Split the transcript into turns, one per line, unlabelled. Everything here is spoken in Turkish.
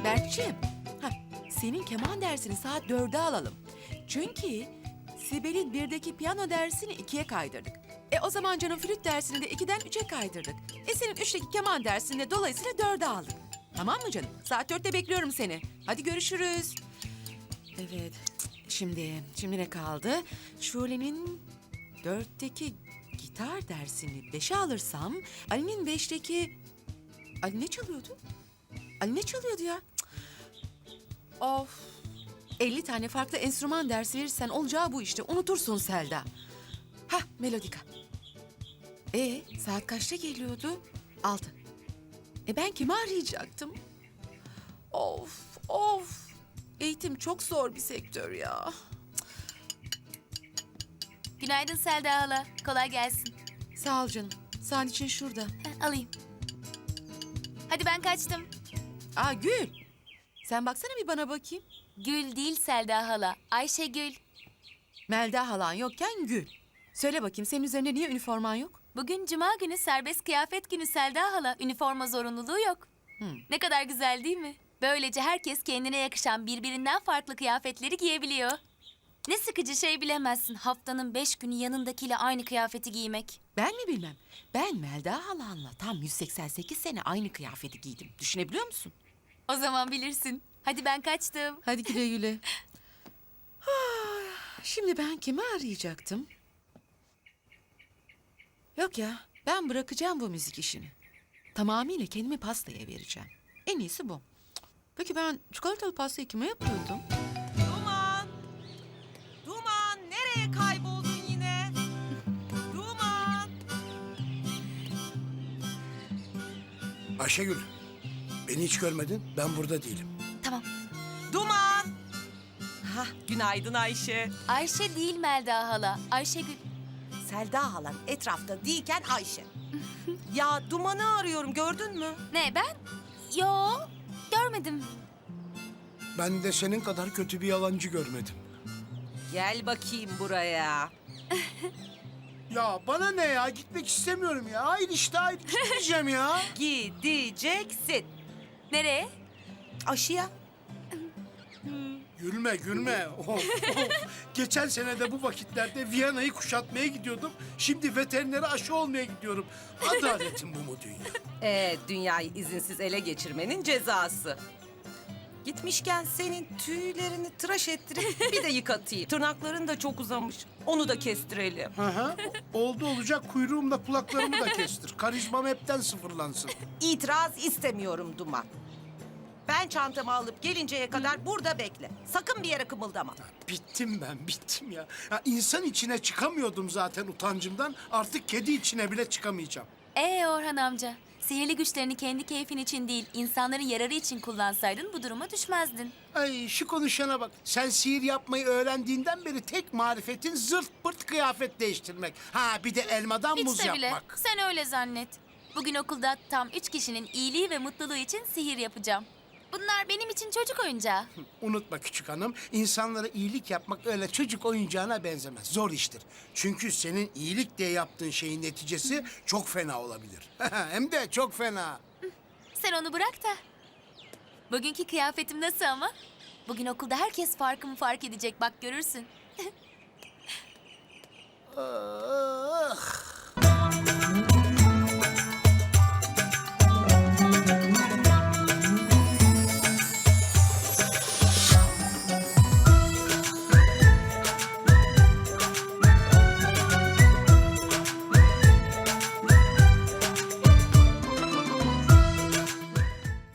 Berkçim, senin keman dersini saat 4'e alalım. Çünkü Sibel'in 1'deki piyano dersini 2'ye kaydırdık. O zaman canım flüt dersini de 2'den 3'e kaydırdık. Senin 3'teki keman dersini de dolayısıyla 4'e aldık. Tamam mı canım? Saat 4'te bekliyorum seni. Hadi görüşürüz. Evet, şimdi ne kaldı? Şule'nin 4'teki gitar dersini 5'e alırsam... Ali'nin 5'teki... Ali ne çalıyordu? Ali ne çalıyordu ya? Of! 50 tane farklı enstrüman dersi verirsen olacağı bu işte. Unutursun Selda. Melodika. Saat kaçta geliyordu? 6. Ben kimi arayacaktım? Of! Eğitim çok zor bir sektör ya.
Günaydın Selda hala. Kolay gelsin.
Sağ ol canım. Sağın için şurada.
Alayım. Hadi ben kaçtım.
Gül. Sen baksana bir bana bakayım.
Gül değil Selda hala. Ayşegül.
Melda halan yokken Gül. Söyle bakayım senin üzerinde niye üniforman yok?
Bugün cuma günü serbest kıyafet günü Selda hala. Üniforma zorunluluğu yok. Ne kadar güzel değil mi? Böylece herkes kendine yakışan birbirinden farklı kıyafetleri giyebiliyor. Ne sıkıcı şey bilemezsin. Haftanın 5 günü yanındakiyle aynı kıyafeti giymek.
Ben mi bilmem? Ben Melda halanla tam 188 sene aynı kıyafeti giydim. Düşünebiliyor musun?
O zaman bilirsin. Hadi ben kaçtım.
Hadi güle güle. Şimdi ben kimi arayacaktım? Yok ya, ben bırakacağım bu müzik işini. Tamamıyla kendimi pastaya vereceğim. En iyisi bu. Peki ben çikolatalı pastayı kime yapıyordum?
Duman! Duman! Nereye kayboldun yine? Duman!
Ayşegül, beni hiç görmedin. Ben burada değilim.
Tamam.
Duman! Günaydın Ayşe.
Ayşe değil Melda hala. Ayşegül.
Selda halan etrafta değilken Ayşe. Ya Duman'ı arıyorum, gördün mü?
Ne ben? Yo, görmedim.
Ben de senin kadar kötü bir yalancı görmedim.
Gel bakayım buraya.
Ya bana ne ya? Gitmek istemiyorum ya. Hayır işte hayır. Gitmeyeceğim ya.
Gideceksin.
Nereye?
Aşıya.
Gülme. Of. Geçen sene de bu vakitlerde Viyana'yı kuşatmaya gidiyordum. Şimdi veterinere aşı olmaya gidiyorum. Adaletin bu mu dünya?
Dünyayı izinsiz ele geçirmenin cezası. Gitmişken senin tüylerini tıraş ettirip bir de yıkatayım. Tırnakların da çok uzamış. Onu da kestirelim.
Oldu olacak kuyruğumla kulaklarımı da kestir. Karizmam hepten sıfırlansın.
İtiraz istemiyorum Duman. Ben çantamı alıp gelinceye kadar burada bekle. Sakın bir yere kımıldama.
Bittim ya. İnsan içine çıkamıyordum zaten utancımdan. Artık kedi içine bile çıkamayacağım.
Orhan amca. Sihirli güçlerini kendi keyfin için değil, insanların yararı için kullansaydın bu duruma düşmezdin.
Ay şu konuşana bak. Sen sihir yapmayı öğrendiğinden beri tek marifetin zırt pırt kıyafet değiştirmek. Bir de elmadan muz
Hiç de bile.
yapmak.
Sen öyle zannet. Bugün okulda tam 3 kişinin iyiliği ve mutluluğu için sihir yapacağım. Bunlar benim için çocuk oyuncağı.
Unutma küçük hanım, insanlara iyilik yapmak öyle çocuk oyuncağına benzemez. Zor iştir. Çünkü senin iyilik diye yaptığın şeyin neticesi çok fena olabilir. Hem de çok fena.
Sen onu bırak da. Bugünkü kıyafetim nasıl ama? Bugün okulda herkes farkımı fark edecek, bak görürsün.
Ah.